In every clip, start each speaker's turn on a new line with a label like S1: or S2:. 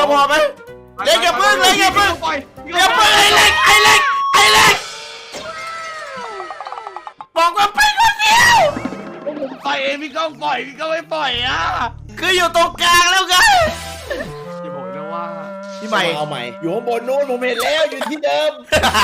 S1: พอไหมเล็กอย่าพึ่งเลยอย่าพึ่งอย่าพึ่งไอ้เล็กบอกว่าไปคนเดียว
S2: ผมไปเองพี่ก้องปล่อยพี่ก้องไม่ปล่อยอ่ะ
S1: คืออยู่ตรงกลางแล้วไง
S2: พี่บอกนะว่า
S1: พี่ใหม่
S3: เอาใหม่อยู่ข้างบนนู้นผมเห็นแล้วอยู่ที่เดิม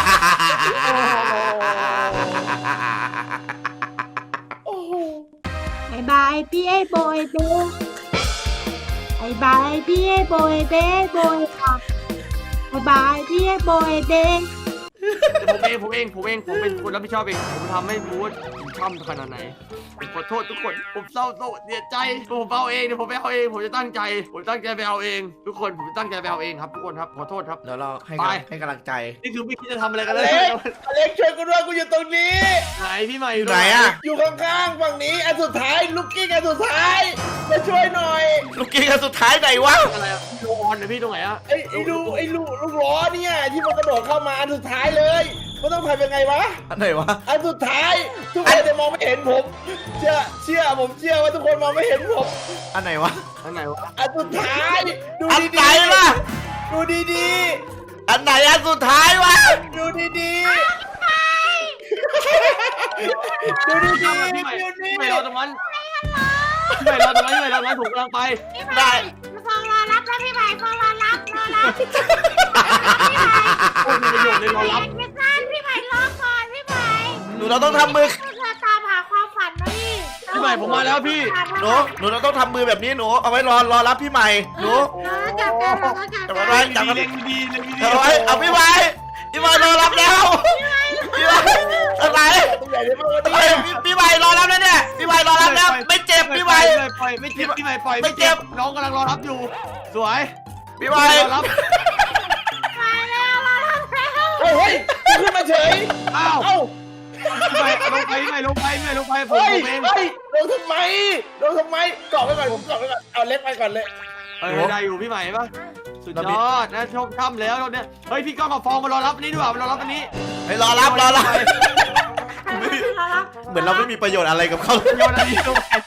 S4: บายบายพี่ไอ้โบยเบ้บายบายพี่ไอ้โบยเบ้โบยค่ะบายบายพี่ไอ้โบยเบ้
S2: ผมเป็นคนรับผิดชอบเองผมทำให้รู้ว่าผมทำขนาดไหนผมขอโทษทุกคนผมเศร้าโศกเสียใจผมเอาเองเดี๋ยวผมไปเอาเองผมจะตั้งใจไปเอาเองทุกคนผมตั้งใจไปเอาเองครับทุกคนครับขอโทษครับ
S1: เดี๋ยวเราให้กำลังใจ
S2: นี่คือไม่คิดจะทำอะไรกันเลย
S3: อเล็กช่วยกูด้วยกูอยู่ตรงนี้
S2: ไหนพี่ใหม่
S1: อยู่ไหนอ่ะ
S3: อยู่ข้างๆฝั่งนี้อันสุดท้ายลูกกิ้งอันสุดท้ายมาช่วยหน่อย
S1: ลูกกิ้งอันสุดท้ายไหนวะ
S2: อะไรอ่ะโลออนนะพี่ตรงไหนอ่ะ
S3: ไอ้ลูกล้อเนี่ยที่มันกระโดดเข้ามาอันสุดท้ายเลยมันต้องทำยังไงวะ
S1: อันไหนวะ
S3: อันสุดท้ายทุกคนจะมองไม่เห็นผมเชื่อว่าทุกคนมองไม่เห็นผม
S1: อันไหนวะ
S3: อันสุดท้ายดู
S1: อันไหนวะ
S3: ดูดี
S1: อันไหนอันสุดท้ายวะ
S3: ดูดีดูดี
S2: ไม่รอตรงนั้นถูกกำลังไป
S4: ได้ฟองรอรับแล้วพี่ใหม่ฟองรอรับ
S2: ประโยชน์เลยรอรับ
S4: พี่ใหม่รอก่อนพี่ใหม่
S1: หนูเราต้องทำมือ
S4: เธอตามหาความฝันนะ
S2: พี่ใหม่ผมมาแล้วพี่
S1: หนูเราต้องทำมือแบบนี้หนูเอาไว้รอรับพี่ใหม่หนู
S4: จับ
S1: ไว้จับ
S2: ดี
S1: เอาไว้เอาพี่ใหม่รอรับแล้วพี่ใหม่อะไรพี่ใหม่รอรับแล้วเนี่ยพี่ใหม่รอรับแล้วไม่เจ็บพี่ใหม่
S2: ไม่เจ็บพี่ใหม่ปล่อยไม่เจ็บน้องกำลังรอรับอยู่สวย
S1: พี่ใหม่
S2: รอรับ
S4: มาแล้ว
S3: เฮ้ยขึ้นมาเฉย
S2: อ้าวพี่ใหม่ลงไปผมเอง
S3: ลงทำไมเกาะไว้ก่อนเอาเล็กไปก่อนเลย
S2: ได้อยู่พี่ใหม่ปะสุดยอดนะชมค่ำแล้วเราเนี่ยเฮ้ยพี่ก้องกับฟองมารอรับนี้ดีกว่ามารอรับอันนี้
S1: ให้รอรับเหมือนเราไม่มีประโยชน์อะไรกับเขา
S2: ประโยชน์อะไรตรงไหน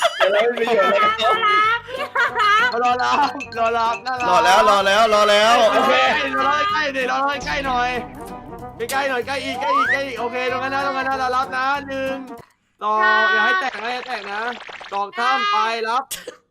S2: รอรับน่ารัก
S1: รอแล้ว
S2: โอเครอใกล้หน่อยใกล้อีกโอเคตรงนั้นนะรอรับนะ1 2อย่าให้แตกนะ2 3ไปรับ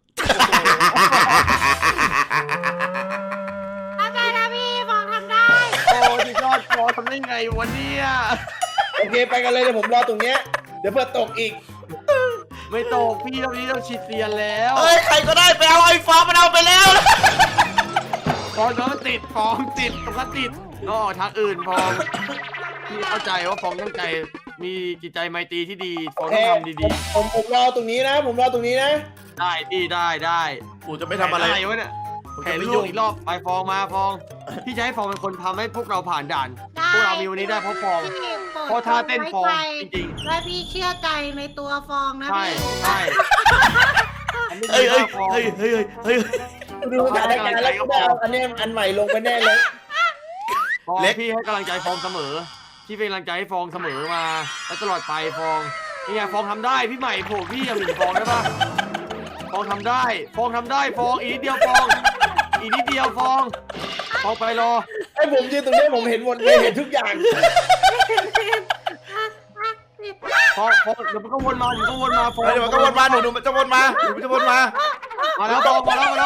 S4: ทำได้นะพี่ฟองทำได้
S2: โอ้สุดยอดฟองทำได้ไงวันนี้
S3: โอเคไปกันเลยเดี๋ยวผมรอตรงเนี้ยเดี๋ยวเพื่อตกอีก
S2: ไม่ตกพี่ตรงนี้ต้องฉีดเตียนแล้ว
S1: เฮ้ยใครก็ได้ไปเอาไอ้ฟองมันเอาไปแล้ว
S2: ฟองติดตรงนั้นติดก็ทางอื่นฟองพี่เข้าใจว่าฟองตั้งใจมีจิตใจไมตรีที่ดีฟองต้องทำดี
S3: ๆผมรอตรงนี้นะ
S2: ได้พี่ได้
S1: กูจะไม่ทำอะไร
S2: วะเนี่ยแข่งลูกอีกรอบไปฟองมาฟองพี่จะให้ฟองเป็นคนทำให้พวกเราผ่านด่านพวกเรามีวันนี้ได้เพราะฟองเพราะท่าเต้นฟองจริง
S4: ๆและพี่เชื่อใจในตัวฟองนะพี่
S2: ใช่
S1: เฮ้ย
S3: ดูสถานการณ์แล้วก็เอาอันนี้อันใหม่ลงไปแน่เลย
S2: เล็กพี่ให้กำลังใจฟองเสมอพี่เป็นกำลังใจให้ฟองเสมอมาและตลอดไปฟองนี่ไงฟองทำได้พี่ใหม่โผล่พี่อย่าหมิ่นฟองได้ปะฟองทำได้ฟองอีกนิดเดียวฟองไปรอ
S3: ให้ผมยืนตรงนี้ผมเห็นหมดเลยเห็นทุกอย่าง
S2: ฟองเดี๋ยวมันก็วนมาฟอง
S1: เดี๋ยวมันก็วนมาหนูจะวนมา
S2: มาแล้วฟอง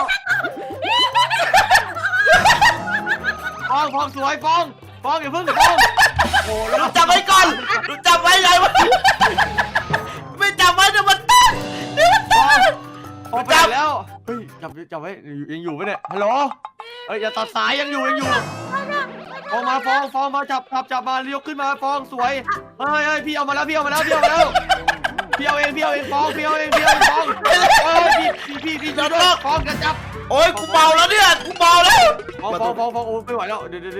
S2: สวยฟองอย่าเพิ่งฟอง
S1: โอ้เราจับไว้ก่อนดูจับไว้ไงวะไม่จับไว้เดี๋ยวมันตั้ง
S2: พอไปแล้วเฮ้ยจับไว้ยังอยู่ไหมเนี่ยฮัลโหลอย่าตัดสายยังอยู่ฟองมาจับมาเลี้ยวขึ้นมาฟองสวยเฮ้ยพี่เอามาแล้วพี่เอาเองฟองพี่ช่วยด้วยฟองจะจับ
S1: โอ้ยกูเมาแล้วเนี่ยฟอง
S2: โอ้ไม่ไหวแล้วเดี๋ยว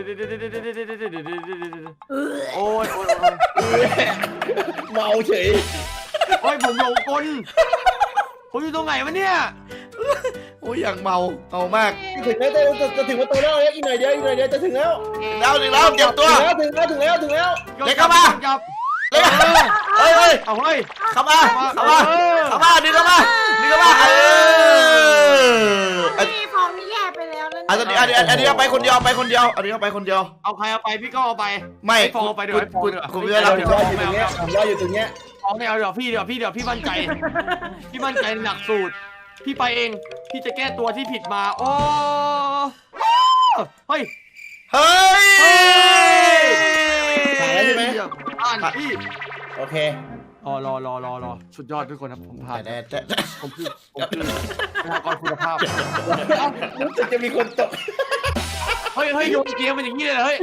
S2: โอ้ย
S3: เมาเฉย
S2: โอ้ยผมหลงกลผมอยู่ตรงไหนวะเนี่ย
S1: โอ้ยอย่างเมามาก
S3: ถึงแล้วจะถึงประตูแล้วอีกหน่อยเดียวจะถึงแล้ว
S1: เก็บตัว
S3: ถึงแล้ว
S1: เล็กเข้ามาเล็กเฮ้ยเข้ามาดึงเข้ามา
S4: พี่ฟองนี่แย่ไปแล้วนะ
S1: อันนี้เอาไปคนเดียวไปคนเดียวอันนี้เอาไปคนเดียว
S2: เอาใครเอาไปพี่ก็เอาไป
S1: ไม่
S2: ฟองเอาไปเดี๋ยวให้ฟองเดี๋ยว
S1: กูจะรับ
S3: ผมรออยู่ตรงเนี้ยผมรออยู่ตรงเนี้ย
S2: ฟองไม่เอาเดี๋ยวพี่มั่นใจพี่มั่นใจหนักสูตรพี่ไปเองพี่จะแก้ตัวที่ผิดมาโอ้เฮ้ย
S1: เฮ้ย
S3: ผ่านแล้วใช่ไหม
S2: ผ่านพี่
S3: โอเค
S2: อ๋อรอสุดยอดทุกคนครับผมผ่าน
S1: แต่
S2: ผมคือพนักงานคุณภาพ
S3: รู้สึกจะมีคนตก
S2: เฮ้ยโยนเกมเป็นอย่างนี้เลยเหรอเฮ้ย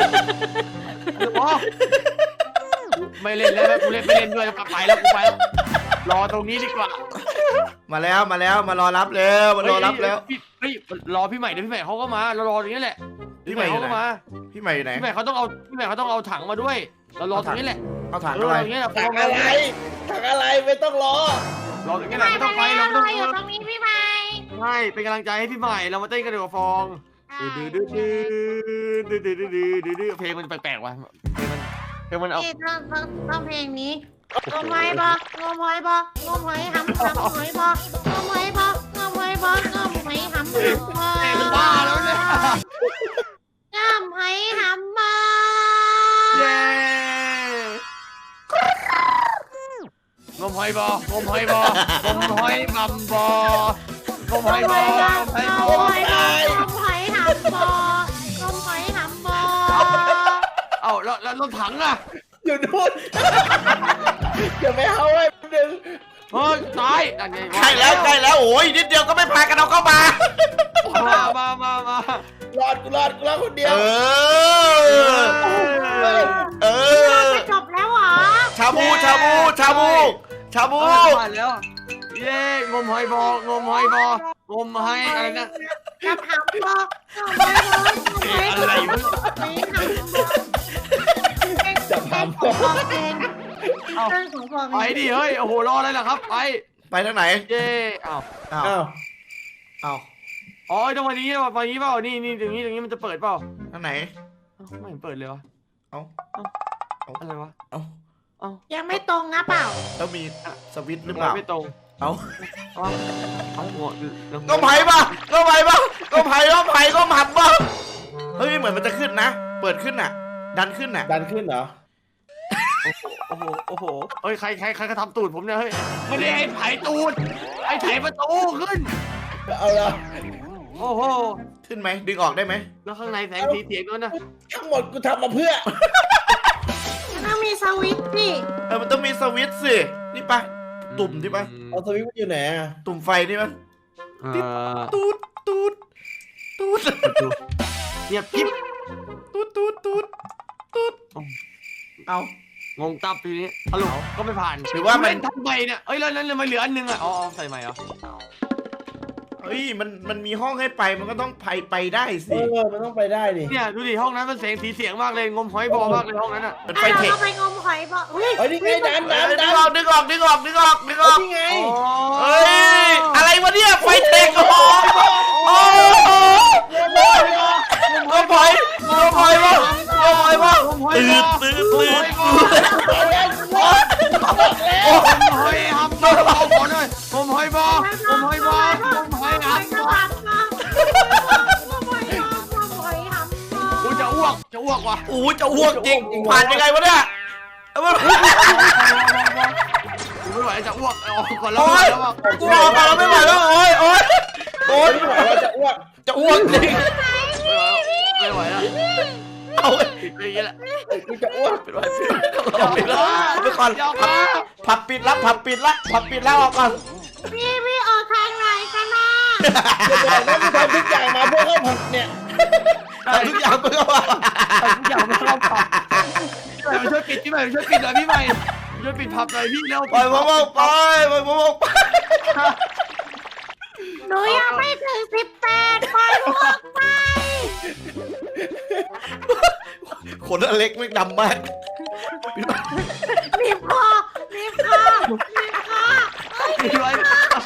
S2: ไม่เล่นแล้วกูเล่นไม่เล่นด้วยไปแล้วกูไปแล้วรอตรงนี้ดีกว่า
S1: มาแล้วมารอรับแล้วมารอรับแล้ว
S2: เฮ้ยรอพี่ใหม่เดี๋ยวพี่ใหม่เขาก็มาเรารอตรงนี้แหละ
S1: พี่ใหม่อยู่ไหน
S2: เขาก็มา
S1: พี่ใหม่อยู่ไหน
S2: พี่ใหม่เขาต้องเอาถังมาด้วยเรารอตรงนี้แหละ
S1: เอาถังอะไร
S2: ตรงนี้แหละ
S3: ถังอะไรไม่ต้องรอ
S2: รอตรงนี้แหละไม่ต้องไปเราไม่ต้อง
S4: อยู่ตรงนี้พี่ไม้
S2: ใช่เป็นกำลังใจให้พี่ใหม่เรามาเต้นกันดีกว่าฟองดื้อเพลงมันแปลกๆว่ะเพลงมันเอา
S4: ต้องเพลงนี้งมหอยบ่งมหอยบ่งมหอยหำหอยบ่งมหอยบ่งมหอยบ่งมหอยหำ
S2: เพลงบ้าแล้วเนี่ย
S4: งมหอยหำบ่
S2: เย้งมหอยบ่งมหอยบ่งมหอยมัมบ่งมหอยบ่งมหอยบ่
S4: งมหอยบ่งมหอยหำบ่งมหอยหำบ่
S2: เอ้าแล้วรถถังอ่ะ
S3: อยู่นู่นเดี๋ยวไม่เอาไว้หนึ่ง
S2: เฮ้ยตายอันนี้
S1: ใกล้แล้วโอ้ยนิดเดียวก็ไม่พากันเอาเข้ามาร
S3: อดคนเดียว
S4: จบแล้วเหรอ
S1: ชาบู
S2: ผ่านแล้วเย้งมหอยบ่งมหอยบ่งมหอยอะไรนะ
S4: จะทำบ่งมหอยบ่งมหอยบ่
S2: อะไรวะ
S3: จะทำ
S4: ของฟองเองเรื่องของฟอง
S2: ไปดิเฮ้ยโอ้โหรออะไรล่ะครับไป
S1: ทางไหน
S2: เย้อ้าว
S1: อ้าว
S3: อ้าว
S1: อ้าว
S2: อ๋อตรงวันนี้เปล่านี่ตรงนี้มันจะเปิดเปล่า
S1: ทางไหน
S2: ไม่เห็นเปิดเลยวะ
S1: เอ้า
S2: อะไรวะ
S1: เอ้า
S4: ยังไม่ตรงนะเปล่า
S1: แล้วมีสวิตช์หรือเปล่า
S2: ไม่ตรง
S1: เอ้า
S2: เอาหัว
S1: ก็ไผ่ปะก็ไผ่ปะก็ไผ่ก็หมัดปะเฮ้ยเหมือนมันจะขึ้นนะ เปิดขึ้นน่ะ ดันขึ้นน่ะ
S3: ดันขึ้นเหรอ
S2: โอ้โหเฮ้ยใครก็ทำตูดผมเนี่ยเฮ้ยไม่ได้ไอ้ไถตูดไอ้ไถประตูขึ้น
S3: เอาละ
S2: โอ้โห
S1: ขึ้นไหมดึงออกได้ไหม
S2: แล้วข้างในแสงสีเสียงด้วยนะ
S3: ทั้งหมดกูทำมาเพื่อ
S4: ต้องมีสวิตช์สิ
S1: มันต้องมีสวิตช์สินี่ปะตุ่มที่ปะ
S3: เอาสวิตช์มันอยู่ไหนอะ
S1: ตุ่มไฟนี่ปะ ตูด
S2: เงียบกิ๊บ
S1: ตูดเอา
S2: งงตับทีนี้ฮัลโหลก็ไม่ผ่าน
S1: หรือว่ามัน
S2: เล่นทำไมเนี่ยเอ้ยแล้วมันเหลืออันนึงอ่ะอ๋อใส่ใหม่เหรอ
S1: เฮ้ยมันมีห้องให้ไปมันก็ต้องไปได้สิ
S3: มันต้องไปได้ดิ
S2: เนี่ยดูดิห้องนั้นมันเสียงสีเสียงมากเลยงมหอยบอมากเลยห้องนั้นอ่ะ
S1: เป็น
S4: ถ้า
S1: ไฟเทค
S4: เราไปงมหอยบ่อุ้ย
S3: เฮ้ยนี่ไงดัน
S1: ดึงออกดึงออก
S3: นี่ไง
S1: เฮ้ยอะไรวะเนี่ยไฟเทคโอ้โหก็พอยบ้างตื่น
S2: งมหอยฮัมบอเอาก่อนเลยงมหอยบองมหอยบองมหอยฮัมบอ กูจะอ้วกว่ะ
S1: โอ้จะอ้วกจริงผ่านยังไงวะเนี่ยมัน
S2: กูไม่ไหวจะอ้วกออกก่อนแล้ว
S1: โอ้ย
S2: แล้วอ่ะ
S1: กูออกมาแล้วไม่ไหวแล้วโอ้ย
S3: ไม่ไหวแล้วจะอ้วก
S1: จะอ้วกจริง
S2: ไม่ไหวแล้ว
S1: เอา
S2: ปิดไปอย่างนี้แหละ
S3: กูจะอ้วก
S1: ปิดไปก่อนผับปิดแล้วออกก่อน
S4: พี่ออกทางไหนกันนะ
S3: จะบอกนะกูทำทุกอย่างมาเพื่อเข้าผับเนี่ย
S1: ทุกอย่างเพื่อว่า
S2: ทุกอย่างไม่เข้าผับพี่ใหม่มาช่วยปิดหน่อยพี่ใหม่ช่วยปิดผับหน่อยพี่เร็ว
S1: ปล่อยผมออกไป
S4: หนูยังไม่ถึง18ปล่อยลูกไป
S1: ขนอเล็กไม่ดำมาก
S4: รีบคอ
S2: พี่ไว้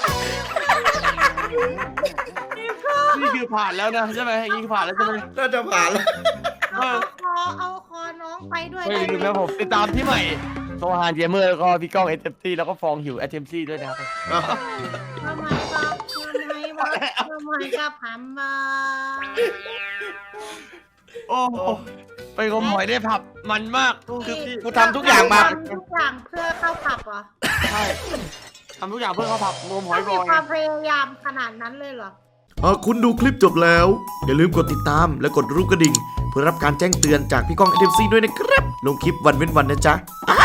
S2: นี่คือผ่านแล้วนะใช่ไหมอย่างนี้คือผ่านแล้วใช่ไหม
S1: น่าจะผ่านแล้ว
S4: เอาคอน้องไปด้วย
S2: เฮ้ยลืมแล้วผมติดตามที่ใหม่โซฮานเกมเมอร์แล้วก็พี่ก้อง SMC แล้วก็ฟองหิว SMC ด้วยนะครับ
S4: ทำไมบอกทำไมกับผัมมา
S2: โอ้โหไปงมหอยได้ผับมันมาก
S1: คือกูทำทุกอย่างมา
S4: ทำทุกอย่างเพื่อเข้าผับเหรอ
S2: ใช่ทำทุกอย่างเพื่อเขาผับงมหอยบ
S4: มี
S2: อย
S4: ความพยายามขนาดนั้นเลยเหรอ
S1: หากคุณดูคลิปจบแล้ว อย่าลืมกดติดตามและกดรูปกระดิ่ง เพื่อรับการแจ้งเตือนจากพี่ก้อง NTMC ด้วยนะครับ ลงคลิปวันเว้นวันนะจ๊ะ